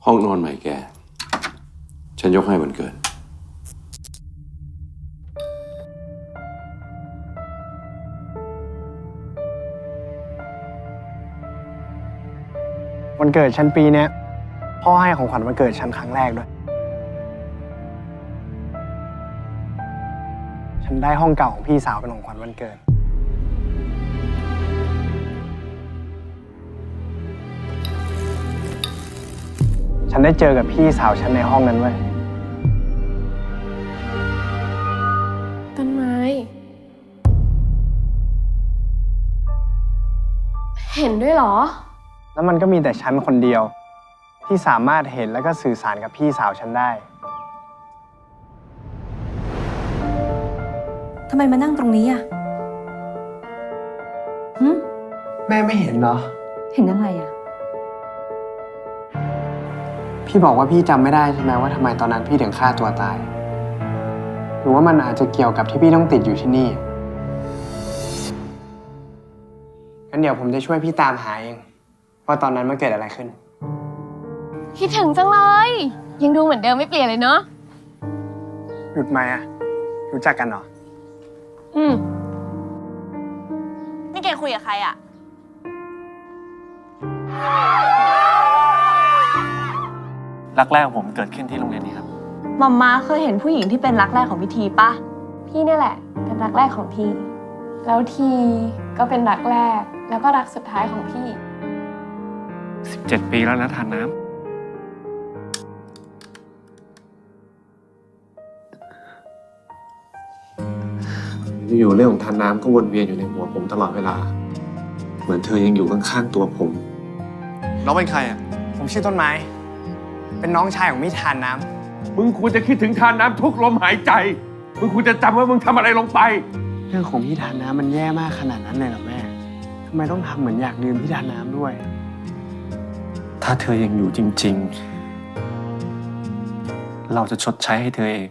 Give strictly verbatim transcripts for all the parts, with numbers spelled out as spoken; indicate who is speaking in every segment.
Speaker 1: ห้องนอนใหม่แกฉันยกให้วันเกิด
Speaker 2: วันเกิดฉันปีเนี้ยพ่อให้ของขวัญวันเกิดฉันครั้งแรกด้วยฉันได้ห้องเก่าของพี่สาวเป็นของขวัญวันเกิดฉันได้เจอกับพี่สาวฉันในห้องนั้นเว้ย
Speaker 3: ต้นไม้เห็นด้วยเหรอ
Speaker 2: แล้วมันก็มีแต่ฉันคนเดียวที่สามารถเห็นแล้วก็สื่อสารกับพี่สาวฉันได้
Speaker 4: ทำไมมานั่งตรงนี้อ่ะหึ
Speaker 2: แม่ไม่เห็นเหรอ
Speaker 4: เห็นอะไรอ่ะ
Speaker 2: พี่บอกว่าพี่จำไม่ได้ใช่ไหมว่าทำไมตอนนั้นพี่ถึงฆ่าตัวตายหรือว่ามันอาจจะเกี่ยวกับที่พี่ต้องติดอยู่ที่นี่งั้นเดี๋ยวผมจะช่วยพี่ตามหาเองว่าตอนนั้นมันเกิดอะไรขึ้น
Speaker 3: คิดถึงจังเลยยังดูเหมือนเดิมไม่เปลี่ยนเลยเนาะ
Speaker 2: หยุดไหมอะรู้จักกันเหรอ
Speaker 3: อืมนี่แกคุยกับใครอะ
Speaker 2: รักแรกของผมเกิดขึ้นที่โรงเรียนนี้ครับ
Speaker 3: มัมมาเคยเห็นผู้หญิงที่เป็นรักแรกของพิธีปะพี่นี่แหละเป็นรักแรกของทีแล้วทีก็เป็นรักแรกแล้วก็รักสุดท้ายของพี่
Speaker 2: สิบเจ็ดปีแล้วนะทานน้ำ
Speaker 5: อยู่เรื่องของทานน้ำก็วนเวียนอยู่ในหัวผมตลอดเวลาเหมือนเธอยังอยู่ข้างๆตัวผม
Speaker 2: น้องเป็นใครอ่ะผมชื่อต้นไม้เป็นน้องชายของมิทานน้ำ
Speaker 6: มึงควรจะคิดถึงทานน้ำทุกลมหายใจมึงควรจะจำว่ามึงทำอะไรลงไป
Speaker 2: เรื่องของพี่ทานน้ำมันแย่มากขนาดนั้นเลยเหรอแม่ทำไมต้องทำเหมือนอยากดื่มพี่ทานน้ำด้วย
Speaker 5: ถ้าเธอยังอยู่จริงๆเราจะชดใช้ให้เธอเอง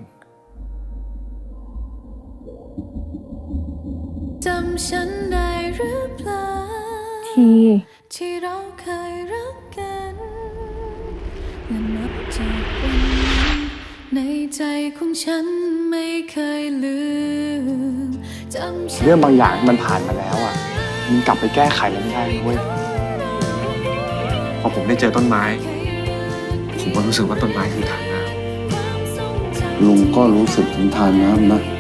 Speaker 7: จำฉันได้หรือเปล่า
Speaker 3: ที
Speaker 7: ที่เราเคยรักกันและนับจากวันนั้นในใจของฉันไม่เคยลืมจำฉัน
Speaker 2: เรื่องบางอย่างมันผ่านมาแล้วอ่ะมันกลับไปแก้ไขมันไม่ได้เว้ย
Speaker 5: พอผมได้เจอต้นไม้ผมก็รู้สึกว่าต้นไม้คือทานน้ำ
Speaker 1: ลุงก็รู้สึกถึงทานน้ำนะ